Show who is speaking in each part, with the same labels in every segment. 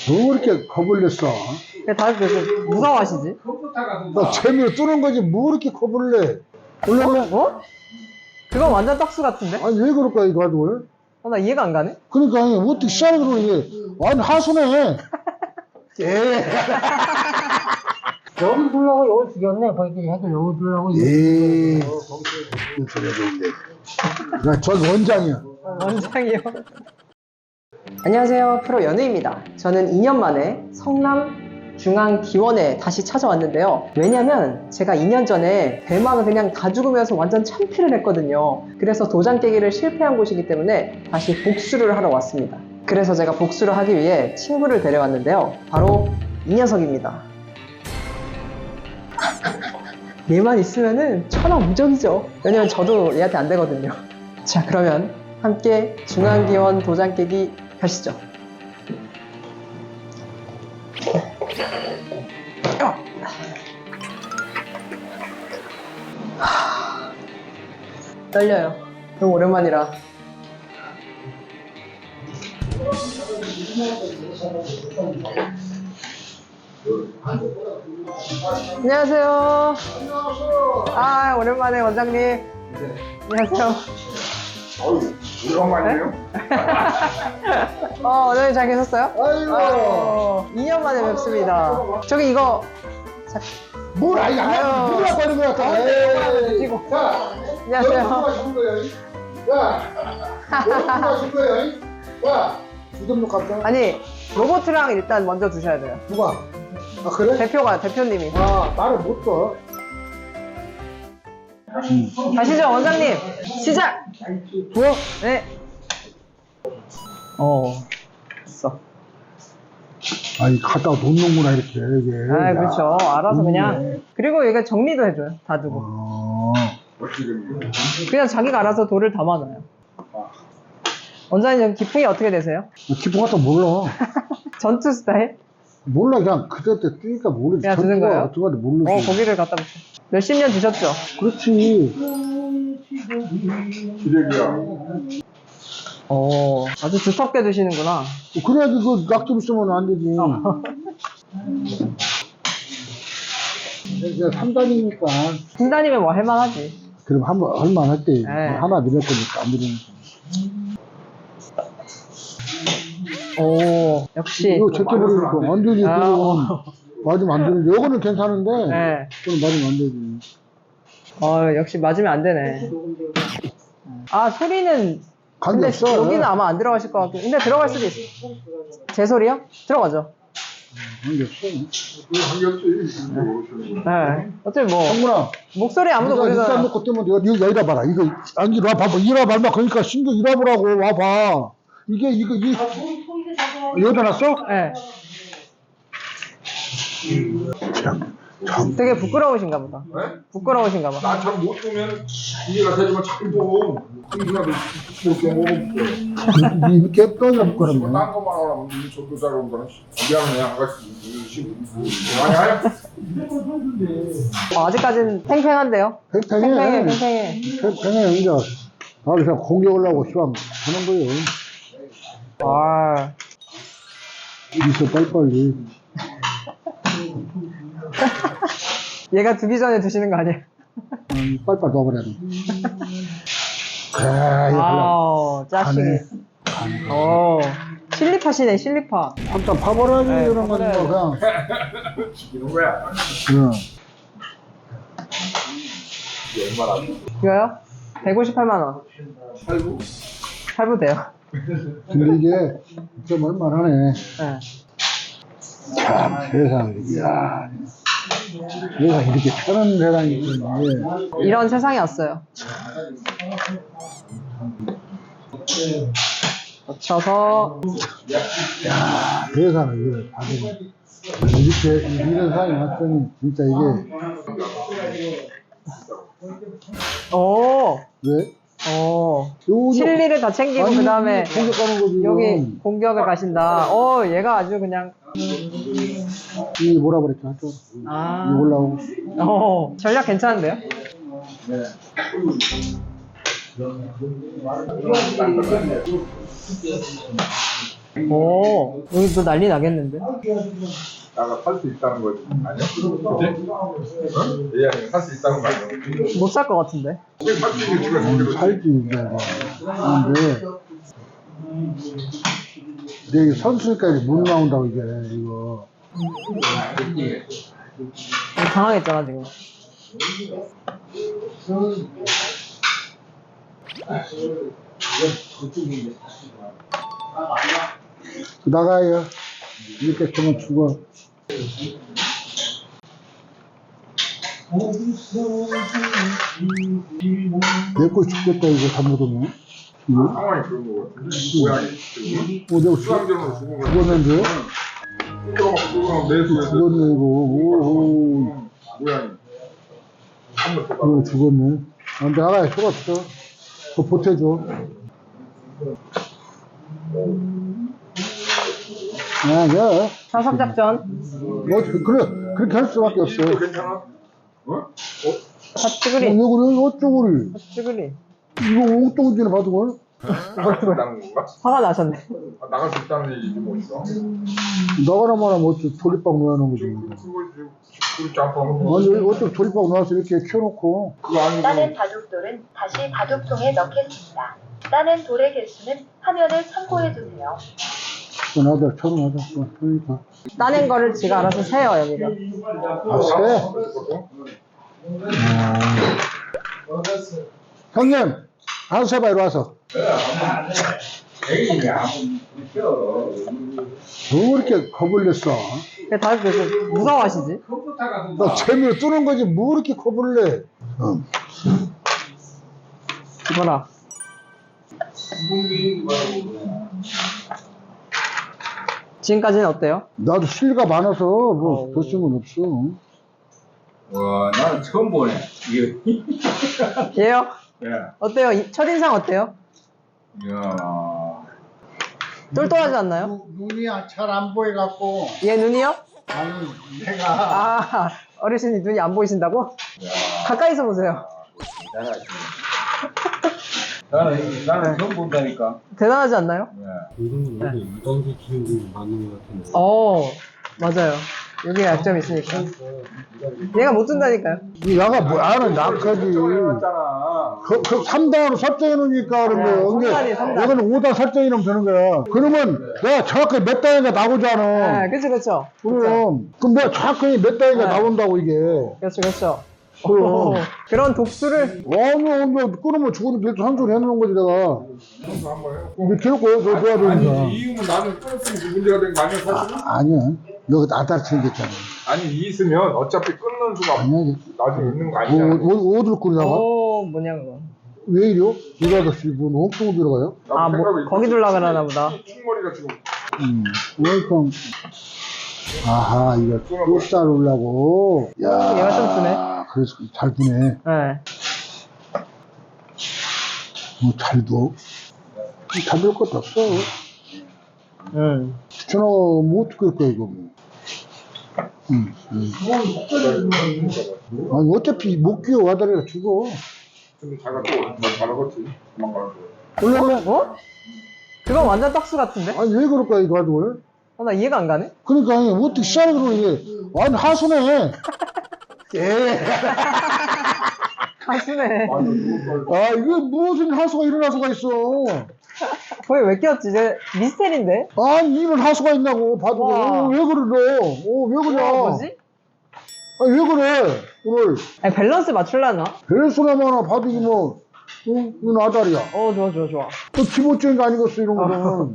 Speaker 1: 뭐 이렇게 겁을 냈어?
Speaker 2: 다들 왜 무서워하시지?
Speaker 1: 나 재미로 뜨는 거지, 뭐 이렇게 겁을 내? 원래,
Speaker 2: 어? 그건 완전 떡수 같은데?
Speaker 1: 아니, 왜 그럴까, 이거 가지고?
Speaker 2: 나 이해가 안 가네?
Speaker 1: 그러니까, 아니, 어떻게 시작을 그러고, 이게. 아니, 하수네. 예.
Speaker 3: 여기 두려고 여기 죽였네. 거기 해도 여기 두려고.
Speaker 1: 예. 전 원장이야.
Speaker 2: 원장이요. 안녕하세요. 프로 연우입니다. 저는 2년 만에 성남 중앙기원에 다시 찾아왔는데요. 왜냐면 제가 2년 전에 대망을 그냥 다 죽으면서 완전 참패를 했거든요. 그래서 도장 깨기를 실패한 곳이기 때문에 다시 복수를 하러 왔습니다. 그래서 제가 복수를 하기 위해 친구를 데려왔는데요. 바로 이 녀석입니다. 얘만 있으면은 천하무적이죠. 왜냐면 저도 얘한테 안 되거든요. 자, 그러면 함께 중앙기원 도장 깨기 가시죠. 떨려요. 너무 오랜만이라. 안녕하세요. 아, 오랜만에 원장님. 안녕하세요.
Speaker 4: 오랜만이에요?
Speaker 2: 원장님 잘 계셨어요?
Speaker 1: 아이고.
Speaker 2: 2년 만에 뵙습니다. 저기 이거
Speaker 1: 뭘, 아니, 안
Speaker 2: 아유.
Speaker 1: 누가 버린 거야, 또.
Speaker 2: 드시고.
Speaker 1: 자,
Speaker 2: 안녕하세요.
Speaker 1: 누가 준 거야? 자, 누가 준 거야? 자, 주점록 갑자.
Speaker 2: 아니, 로보트랑 일단 먼저 주셔야 돼요.
Speaker 1: 누가? 아, 그래?
Speaker 2: 대표님이.
Speaker 1: 아, 나를 못 줘.
Speaker 2: 가시죠, 원장님. 시작!
Speaker 1: 뭐?
Speaker 2: 네. 됐어.
Speaker 1: 아니, 갖다가 놓는구나, 이렇게, 이게.
Speaker 2: 아, 그렇죠. 알아서 그냥.
Speaker 1: 좋네.
Speaker 2: 그리고 얘가 정리도 해줘요. 다 두고. 그냥 자기가 알아서 돌을 담아놔요. 원장님, 기풍이 어떻게 되세요?
Speaker 1: 기분 같다 몰라.
Speaker 2: 전투 스타일?
Speaker 1: 몰라, 그냥 그때 뛰니까 모르지.
Speaker 2: 그냥 드는 거예요?
Speaker 1: 어떡하지 모르지.
Speaker 2: 고기를 갖다 붙여. 몇십 년 드셨죠?
Speaker 1: 그렇지.
Speaker 4: 기대기야.
Speaker 2: 아주 두텁게 드시는구나.
Speaker 1: 그래야지 그 낙점 쓰면 안 되지. 이제 3단이니까.
Speaker 2: 신다님은 뭐 할만하지.
Speaker 1: 그럼 한번 할만 때
Speaker 2: 네.
Speaker 1: 하나 늘릴 거니까 안 늘리니까.
Speaker 2: 역시.
Speaker 1: 이거 제껴 버리니까 완전히
Speaker 2: 아,
Speaker 1: 그건 맞으면 안 되는데. 이거는 괜찮은데.
Speaker 2: 네.
Speaker 1: 그건 맞으면 안 되지.
Speaker 2: 역시 맞으면 안 되네. 아, 소리는.
Speaker 1: 관계
Speaker 2: 근데
Speaker 1: 없어.
Speaker 2: 여기는 아마 안 들어가실 것 같고. 근데 들어갈 수도 있어. 제 소리요? 들어가죠.
Speaker 1: 관계 없어.
Speaker 2: 네. 어차피 뭐.
Speaker 1: 성문아.
Speaker 2: 목소리 아무도
Speaker 1: 네가
Speaker 2: 모르잖아.
Speaker 1: 일단 놓고 뜨면 이거 여기다 봐라. 이거 안 이리 와 봐봐. 이리 와 봐봐. 그러니까 신경 이리 와보라고 와봐. 이게 여기다 놨어?
Speaker 2: 네.
Speaker 1: 참.
Speaker 2: 되게 부끄러우신가 보다.
Speaker 4: 네?
Speaker 2: 부끄러우신가 봐.
Speaker 4: 나 잘 못 보면 이해가 되지만 자꾸 보고 흥분하고 먹고
Speaker 1: 이렇게 떠나 부끄럽네.
Speaker 4: 딴 것만 하라고 이 저도 잘 온 거는 미안해 아가씨 많이 해?
Speaker 2: 아직까지는 팽팽한데요?
Speaker 1: 팽팽해.
Speaker 2: 팽팽해.
Speaker 1: 팽팽해. 이제 나를 그냥 공격을 하고 시방 하는 거예요.
Speaker 2: 아.
Speaker 1: 있어 빨리빨리.
Speaker 2: 얘가 두기 전에 드시는 거 아니에요?
Speaker 1: 빨리빨리 넣어버려. 그래 이거
Speaker 2: 아우, 짜식이. 실리파시네, 실리파.
Speaker 1: 한참 파버려야지
Speaker 2: 네,
Speaker 1: 이런 거지 뭐 그냥.
Speaker 4: 죽이는 거야
Speaker 1: 응.
Speaker 4: 이게 얼마나
Speaker 2: 이거요? 158만원.
Speaker 4: 살고
Speaker 2: 할부돼요.
Speaker 1: 근데 이게 좀 얼마나네.
Speaker 2: 네.
Speaker 1: 참 세상에. 이야. 세상 이렇게 편한 세상이 있는데.
Speaker 2: 이런 세상이 왔어요. 거쳐서.
Speaker 1: 야, 세상에 이걸 받으면 이렇게 이런 세상이 왔더니 진짜 이게 왜? 요거-
Speaker 2: 실리를 다 챙기고
Speaker 1: 아니,
Speaker 2: 그 다음에
Speaker 1: 공격하는 거지.
Speaker 2: 여기
Speaker 1: 이건.
Speaker 2: 공격을 가신다. 얘가 아주 그냥.
Speaker 1: 이 뭐라 그랬죠? 이
Speaker 2: 아.
Speaker 1: 올라오고.
Speaker 2: 전략 괜찮은데요? 오, 여기 또 난리 나겠는데?
Speaker 4: 나가 살 수 있다는 거지. 아니야? 그치? 어? 얘가 살수 있다는 거 아니야?
Speaker 2: 못 살 것 같은데?
Speaker 4: 살수 있는 지가 제대로
Speaker 1: 살지, 이게. 근데 이게 선수까지 못 나온다고, 이게, 이거.
Speaker 2: 당황했잖아, 지금.
Speaker 1: 나가요. 이렇게 되면 죽어. 내거 죽겠다, 이거 잘못하면.
Speaker 4: 상황이 그런 거 같은데. 고양이.
Speaker 1: 내가
Speaker 4: 수강전으로 죽은 거.
Speaker 1: 죽었는데?
Speaker 4: 그럼 내수에서
Speaker 1: 죽었네, 이거. 오호.
Speaker 4: 고양이. 한번 더
Speaker 1: 이거 죽었네. 안 돼, 나가요. 필요 없어. 그거 보태줘. 야.
Speaker 2: 사석작전.
Speaker 1: 뭐, 그래, 그렇게 할 수밖에 없어.
Speaker 4: 이거 괜찮아? 어?
Speaker 2: 핫찌그리.
Speaker 1: 왜 그래? 어쩌고리.
Speaker 2: 핫찌그리.
Speaker 1: 이거 엉뚱지네 받은 걸?
Speaker 4: 나갈 수 있다는 건가?
Speaker 2: 화가 나셨네.
Speaker 4: 아, 나갈 수 있다는 얘기지 뭐 있어?
Speaker 1: 나가라 말하면 어째 조립방 놓아놓은 거지.
Speaker 4: 지금 그거 지금 짬뽕 거.
Speaker 1: 아니, 어째 조립방 놓아서 이렇게 키워놓고.
Speaker 4: 그거 아니고
Speaker 5: 따낸 바둑돌은 다시 바둑통에 넣겠습니다. 따낸 돌의 개수는 화면을 참고해주세요.
Speaker 1: 나도 천원하자. 그러니까.
Speaker 2: 따낸 거를 지가 알아서 세요, 여기가.
Speaker 1: 아, 세? 형님, 한 세봐, 이리 와서. 뭐 이렇게 겁을 냈어?
Speaker 2: 왜 다들 그렇게 무서워하시지?
Speaker 1: 너 재미로 뜨는 거지, 뭐 이렇게 겁을 내?
Speaker 2: 이거라. 지금까지는 어때요?
Speaker 1: 나도 실가 많아서, 뭐, 볼 수는 없어.
Speaker 6: 와, 나는 처음 보네. 이거.
Speaker 2: 얘요?
Speaker 6: 예.
Speaker 2: 어때요? 첫인상 어때요?
Speaker 6: 이야.
Speaker 2: 똘똘하지 않나요?
Speaker 7: 눈이 잘 안 보여갖고
Speaker 2: 얘 눈이요?
Speaker 7: 아니 내가
Speaker 2: 아, 어르신이 눈이 안 보이신다고? 가까이서 보세요.
Speaker 6: 대단하지. 나는 처음 본다니까.
Speaker 2: 대단하지 않나요?
Speaker 6: 예.
Speaker 8: 이거는 원래 이방지 기능이 맞는 것 같은데.
Speaker 2: 맞아요. 여기에 약점이 있으니까. 얘가 못 든다니까요.
Speaker 1: 이 나가 뭐, 나는 낙하지.
Speaker 4: 해놨잖아.
Speaker 1: 그 3단으로 설정해 놓으니까 그런 거야.
Speaker 2: 삼단이, 삼단.
Speaker 1: 이거는 5단 설정해 놓으면 되는 거야. 그러면 내가 정확하게 몇 단위가 나오잖아.
Speaker 2: 네, 그쵸.
Speaker 1: 그럼 내가 정확하게 몇 단위가
Speaker 2: 네.
Speaker 1: 나온다고 이게.
Speaker 2: 그렇죠.
Speaker 1: 그럼.
Speaker 2: 그런 독수를
Speaker 1: 아니, 끊으면 죽으면 계속 한 소리 해놓은 거지, 내가.
Speaker 4: 형도 한번 해.
Speaker 1: 이게 계속 저 도와주니까.
Speaker 4: 아니 이유면 나는 끊었으면 문제가 된 거 아니야 사실?
Speaker 1: 아니야. 너가 나한테 챙겼잖아.
Speaker 4: 아니 이 있으면 어차피 끊는 수가
Speaker 1: 아니야.
Speaker 4: 나중에 있는 거 아니잖아.
Speaker 1: 어디로 끓이다가?
Speaker 2: 뭐냐, 그거.
Speaker 1: 왜 이래요? 이 아저씨, 뭐, 엉뚱 들어가요?
Speaker 2: 아, 거기 둘라 그러나 보다.
Speaker 4: 충머리가 지금
Speaker 1: 웰컴. 아하, 이거 좁쌀 올라고. 야,
Speaker 2: 얘가 좀 주네.
Speaker 1: 그래서 잘 두네.
Speaker 2: 네.
Speaker 1: 뭐, 잘 둬. 잡을 것도 없어. 추천하고, 뭐, 어떻게 할 거야, 이거. 아니, 어차피 못 끼워, 와다리가 죽어.
Speaker 4: 근데 자기가 또 잘하겠지. 도망가는
Speaker 1: 원래는,
Speaker 2: 그건 완전 떡수 같은데?
Speaker 1: 아니, 왜 그럴까, 이거 가지고.
Speaker 2: 나 이해가 안 가네?
Speaker 1: 그러니까, 아니, 어떻게 시작을 그러 이게. 완전 하수네. 예.
Speaker 2: 가수네.
Speaker 1: 아, 이거 무슨 하수가 이런 하수가 있어.
Speaker 2: 거기 왜 끼웠지? 이제 미스테리인데?
Speaker 1: 아니, 이런 하수가 있냐고, 봐도.
Speaker 2: 와.
Speaker 1: 왜 그래, 너? 왜 그래?
Speaker 2: 뭐지?
Speaker 1: 아니, 왜 그래, 오늘.
Speaker 2: 아니, 밸런스 맞출라나?
Speaker 1: 벨소나마나 봐도 이게 뭐, 이건 아다리야.
Speaker 2: 좋아.
Speaker 1: 또 기본적인 거 아니겠어, 이런 거는.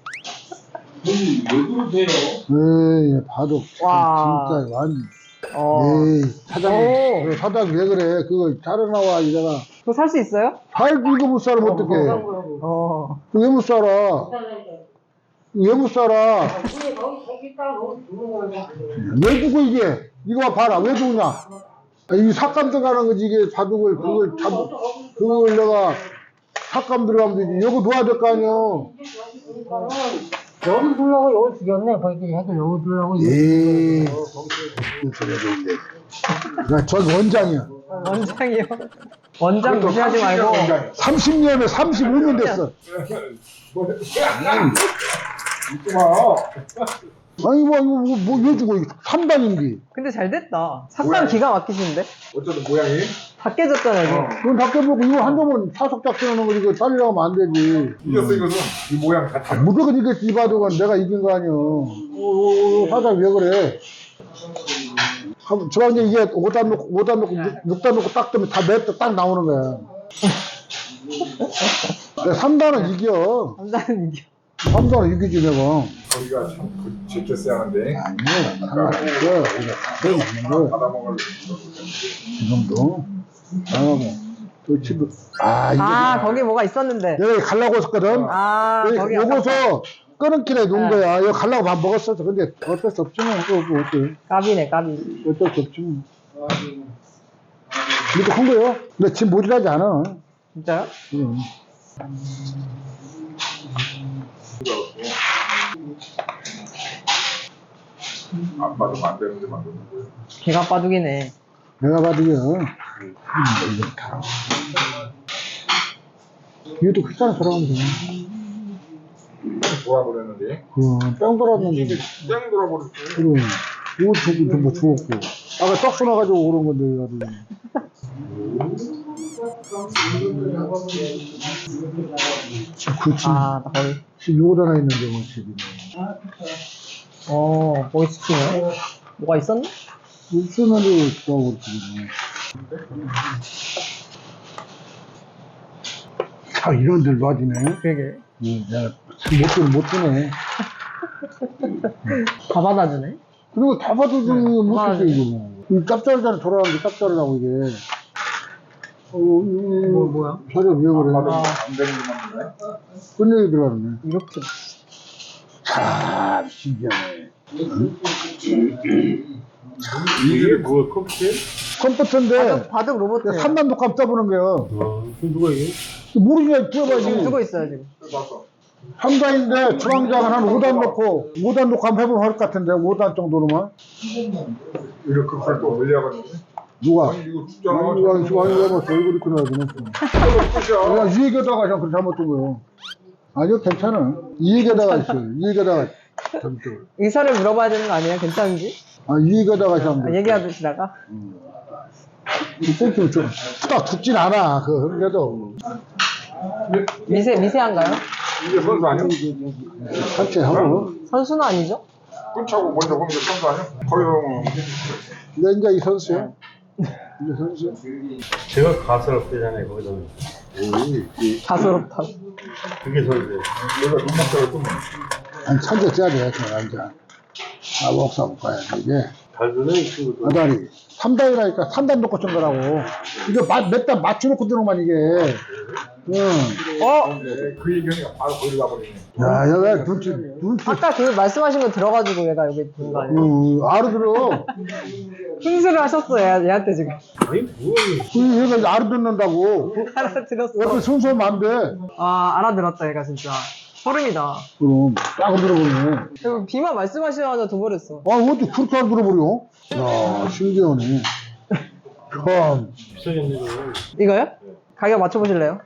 Speaker 6: 왜 그러세요?
Speaker 1: 에이, 봐도.
Speaker 2: 와.
Speaker 1: 진짜, 완.
Speaker 2: 어.
Speaker 1: 에이, 사장님. 그래, 사장님 왜 그래? 그거 자러 나와, 이래가.
Speaker 2: 그거 살 수 있어요?
Speaker 1: 이거 못 살아, 어떡해. 왜 못 살아? 왜 못 살아? 왜 두고 이게? 이거 봐라, 왜 두냐? 아, 이 삭감 들어가는 거지, 이게 바둑을, 그걸 내가 삭감 들어가면 되지. 여기 놓아야 될 거 아니야.
Speaker 3: 여기 두려고 여기 죽였네. 거기 해도 여기 두려고.
Speaker 1: 에이, 무슨 소리야, 근데. 야, 전 원장이야.
Speaker 2: 원장이요? 원장 무시하지 말고.
Speaker 1: 30년에 35년 됐어.
Speaker 4: 믿지 마.
Speaker 1: 아니 뭐 주고 3단인데
Speaker 2: 근데 잘 됐다. 삭감
Speaker 4: 뭐야?
Speaker 2: 기가 막히시는데?
Speaker 4: 어쩌든 모양이.
Speaker 2: 다 깨졌잖아요, 지금.
Speaker 1: 이건 다 깨보고 이거 한 점은 사속 작전하는 거 이거 살리라고 하면 안 되지.
Speaker 4: 이겼어 이것은. 이 모양 같아.
Speaker 1: 무조건 이겼지. 이 바둑은 내가 이긴 거 아니야. 사장 왜 그래? 저가 이제 이게 5단 놓고 6단 놓고 딱 뜨면 다 맵다 딱 나오는 거야. 3단은 이겨.
Speaker 2: 감사는 이겨.
Speaker 1: 3단은 이기지 내가.
Speaker 4: 거기가 참 제껴 쓰야하는데.
Speaker 1: 아니야. 상관없어. 거.
Speaker 4: 받아먹을.
Speaker 1: 이 정도. 또 집을. 이게
Speaker 2: 거기 뭐가 있었는데.
Speaker 1: 내가 가려고 했었거든.
Speaker 2: 거기
Speaker 1: 요거서 끊은길에 놓은 거야. 이거 가려고 밥 먹었어. 근데 어쩔 수 없지 뭐. 뭐 어때?
Speaker 2: 까비네, 까비.
Speaker 1: 어쩔 수 없지 뭐. 이렇게 한 거요. 근데 지금 모질하지 않아.
Speaker 2: 진짜요?
Speaker 1: 응.
Speaker 4: 안 받으면 안 되는데 만드는 거야.
Speaker 2: 개가 빠두기네.
Speaker 1: 내가 봐도 이거 다. 이것도 크잖아, 돌아가면 돼.
Speaker 4: 돌아버렸는데.
Speaker 1: 뺑 돌았는데.
Speaker 4: 땡 돌아버렸어.
Speaker 1: 그럼. 이거 뭐 죽었고. 아까 떡 쏘나가지고 그런 건데, 그렇지.
Speaker 2: 나 거기.
Speaker 1: 지금 요거 하나 있는데, 뭐, 지금.
Speaker 2: 거기 지키네. 뭐가 있었나?
Speaker 1: 쓰는데, 또, 지금. 이런 데 놔지네.
Speaker 2: 그러게.
Speaker 1: 내가 참 못 주네.
Speaker 2: 다 받아주네.
Speaker 1: 그리고 다 봐도 못 주지, 이거 뭐. 이 짭짤하잖아, 돌아가는데 짭짤하다고, 이게.
Speaker 2: 뭐야?
Speaker 1: 저래 왜 그래?
Speaker 4: 안 되는 게 맞네.
Speaker 1: 끝내기 들어가네.
Speaker 2: 이렇게.
Speaker 1: 참, 신기하네.
Speaker 6: 이게 뭐야, 컴퓨터?
Speaker 1: 컴퓨터인데,
Speaker 2: 바둑 로봇.
Speaker 1: 3단 독감 떠보는 거예요.
Speaker 8: 그럼 누가 이게?
Speaker 1: 모르냐,
Speaker 2: 지금
Speaker 1: 뛰어봐야지.
Speaker 2: 쓰고 있어요, 지금.
Speaker 4: 봤어.
Speaker 1: 3단인데, 중앙장은 한 5단 놓고, 5단 독감 해보면 할 것 같은데, 5단 정도로만.
Speaker 4: 이렇게 팔또 올려가지고.
Speaker 1: 누가?
Speaker 4: 아니 이거 죽잖아.
Speaker 1: 아니, 해봤어. 얼굴이 끊어야지.
Speaker 4: 끝이야.
Speaker 1: 그냥 이 얘기하다가 그냥 그렇게 잘못 둔 거예요. 아니요, 괜찮아. 이 얘기하다가 있어요. 이 얘기하다가 잘못.
Speaker 2: 의사를 물어봐야 되는 거 아니에요? 괜찮은지?
Speaker 1: 이 얘기하다가 잘못.
Speaker 2: 얘기하시다가?
Speaker 1: 이 꼴찌는 좀, 딱 죽진 않아. 그래도.
Speaker 2: 미세한가요?
Speaker 4: 이게 선수 아니야?
Speaker 1: 산책하고.
Speaker 2: 선수는 아니죠?
Speaker 4: 끝차고 먼저 보면 이게 선수 아니야? 거기서
Speaker 1: 근데 이제 이 선수야. 이제 선수야.
Speaker 8: 제가 가스럽대잖아요, 거기다.
Speaker 2: 가소롭다.
Speaker 8: 그게 선수예요.
Speaker 4: 내가 눈막대를 또
Speaker 1: 한 천재 째야 돼, 그냥 앉아. 목사 못 가야 돼, 이게.
Speaker 8: 달도는 이 친구도.
Speaker 1: 아다리. 3단이라니까 3단 놓고 친 거라고. 이거 몇 단 맞춰놓고 드는 만 이게.
Speaker 4: 그 얘기가 바로 거기로 가버리네.
Speaker 1: 야, 얘가 눈치.
Speaker 2: 아까 그 말씀하신 거 들어가지고 얘가 여기 든 거 아니에요?
Speaker 1: 알아들어.
Speaker 2: 흥수를 하셨어, 얘한테 지금.
Speaker 8: 아니,
Speaker 1: 얘가 알아듣는다고.
Speaker 2: 알아들었어.
Speaker 1: 옆에 순서하면 안 돼.
Speaker 2: 알아들었다, 얘가 진짜. 소름이다.
Speaker 1: 그럼, 딱 들어보네.
Speaker 2: 그리고 비만 말씀하시자마자 둬버렸어.
Speaker 1: 어떻게 그렇게 안 들어버려? 야, 신기하네. 참.
Speaker 8: 비싸겠네, 이거.
Speaker 2: 이거요? 가격 맞춰보실래요?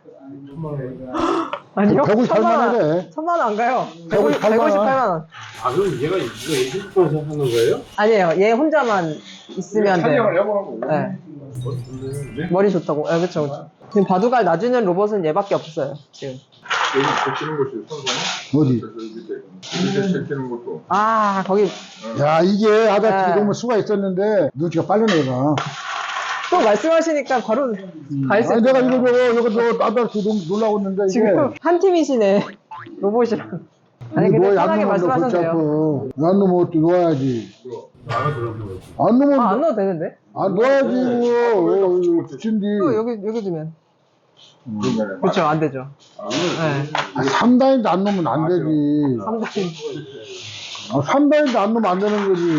Speaker 2: 아니요?
Speaker 1: 158만 원이래.
Speaker 2: 1000만 원 안 가요.
Speaker 1: 158만 원.
Speaker 2: 158만 원.
Speaker 8: 그럼 얘가 이거 예술권에서 하는 거예요?
Speaker 2: 아니에요. 얘 혼자만 있으면 돼요.
Speaker 4: 촬영을 해보는 거고.
Speaker 2: 네. 머리 좋다고. 그쵸, 그쵸. 지금 바둑알 놔주는 로봇은 얘밖에 없어요, 지금.
Speaker 4: 여기 제끼는 것이 선수는?
Speaker 1: 어디?
Speaker 4: 밑에 제끼는 것도.
Speaker 2: 거기
Speaker 1: 야, 이게 아다치
Speaker 2: 네.
Speaker 1: 너무 수가 있었는데, 눈치가 빠르네, 얘가.
Speaker 2: 또 말씀하시니까 바로 갈 수
Speaker 1: 아니,
Speaker 2: 있어요.
Speaker 1: 내가 이거 아다치 너무 놀라고 있는데, 이게.
Speaker 2: 지금 한 팀이시네. 로봇이랑. 아니, 근데 편하게 말씀하셔도 돼요.
Speaker 1: 안 놓으면 어떻게 놓아야지.
Speaker 8: 나가 들어오는 거지.
Speaker 1: 안 놓으면,
Speaker 2: 안 넣어도 되는데?
Speaker 1: 놓아야지, 이거. 붙인디.
Speaker 2: 또 여기 두면. 그쵸, 안 되죠. 네.
Speaker 1: 3단인데 안 놓으면 안 되지.
Speaker 2: 3단.
Speaker 1: 3단인데 안 놓으면 안 되는 거지.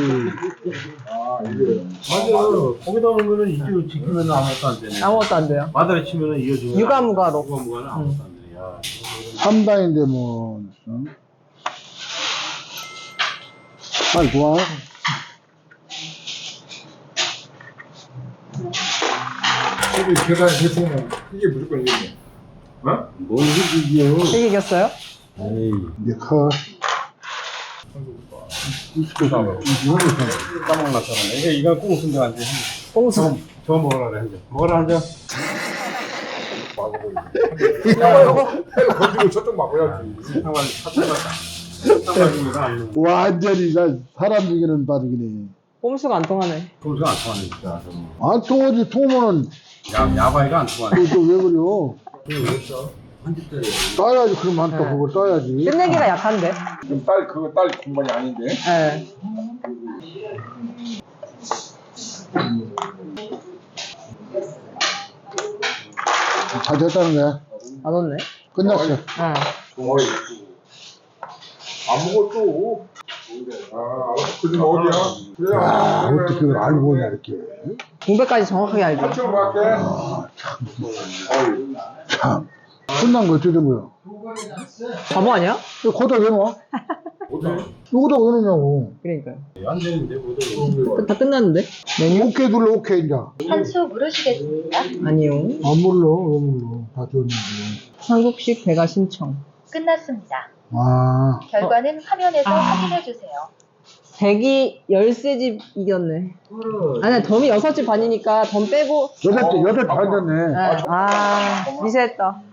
Speaker 8: 맞아. 거기다 놓으면은 이쪽을 지키면 아무것도 안 되네.
Speaker 2: 아무것도 안 돼요.
Speaker 8: 마다리 치면은 이어주면.
Speaker 2: 유가무가로.
Speaker 8: 유가무가는 아무것도 안 되네. 야.
Speaker 1: 3단인데 뭐. 빨리 좋아.
Speaker 4: 이게 계산이 됐으면 이게 무조건 이겼네. 어?
Speaker 8: 뭔 소리야?
Speaker 2: 되게 이겼어요?
Speaker 8: 에이.
Speaker 1: 이제 커.
Speaker 8: 까먹었잖아. 이거 꼭 웃은데 안 돼.
Speaker 2: 꽁수.
Speaker 8: 저거 먹으라 그래. 한 잔. 먹으라 한 잔.
Speaker 4: 해가 건지고 저쪽 막아야지.
Speaker 8: 상관 사탕입니다. 안 넣어.
Speaker 1: 완전히 나 사람 죽이는 바둑이네.
Speaker 2: 꼼수가 안 통하네.
Speaker 8: 소주가 안 통하네 진짜.
Speaker 1: 안 통하지, 통하면은
Speaker 8: 야바이가 안 통하네.
Speaker 1: 또 왜 그래요? 따야지, 그럼 한또
Speaker 2: 네.
Speaker 1: 그걸 따야지.
Speaker 2: 끝내기가 약한데.
Speaker 4: 그럼 딸 공간이 아닌데.
Speaker 2: 예.
Speaker 1: 잘 됐다는 거야.
Speaker 2: 안 왔네.
Speaker 1: 끝났어.
Speaker 2: 예.
Speaker 4: 어이. 안 먹었죠. 알았어. 그지 어디야? 그래.
Speaker 1: 야, 어떻게 그걸 알고 오냐, 이렇게.
Speaker 2: 공백까지 정확하게 알죠.
Speaker 4: 한참 갈게. 어이.
Speaker 1: 참. 끝난 거 어떻게 된 거야?
Speaker 2: 바보 아니야?
Speaker 1: 이거 거기다 왜 놔? 여기다 왜 놓냐고.
Speaker 2: 그러니까요.
Speaker 8: 안 되는데 뭐든.
Speaker 2: 다 끝났는데? 메뉴?
Speaker 1: 오케이 눌러, 오케이, 이제.
Speaker 5: 한 수 물으시겠습니까?
Speaker 2: 아니요.
Speaker 1: 안 몰라, 왜 몰라. 다 줬는데.
Speaker 2: 한국식 배가 신청.
Speaker 5: 끝났습니다.
Speaker 1: 아,
Speaker 5: 결과는 화면에서 확인해 주세요.
Speaker 2: 100이 13집 이겼네. 아니, 덤이 6집 반이니까 덤 빼고.
Speaker 1: 여덟 대 반졌네.
Speaker 2: 아, 미세했다.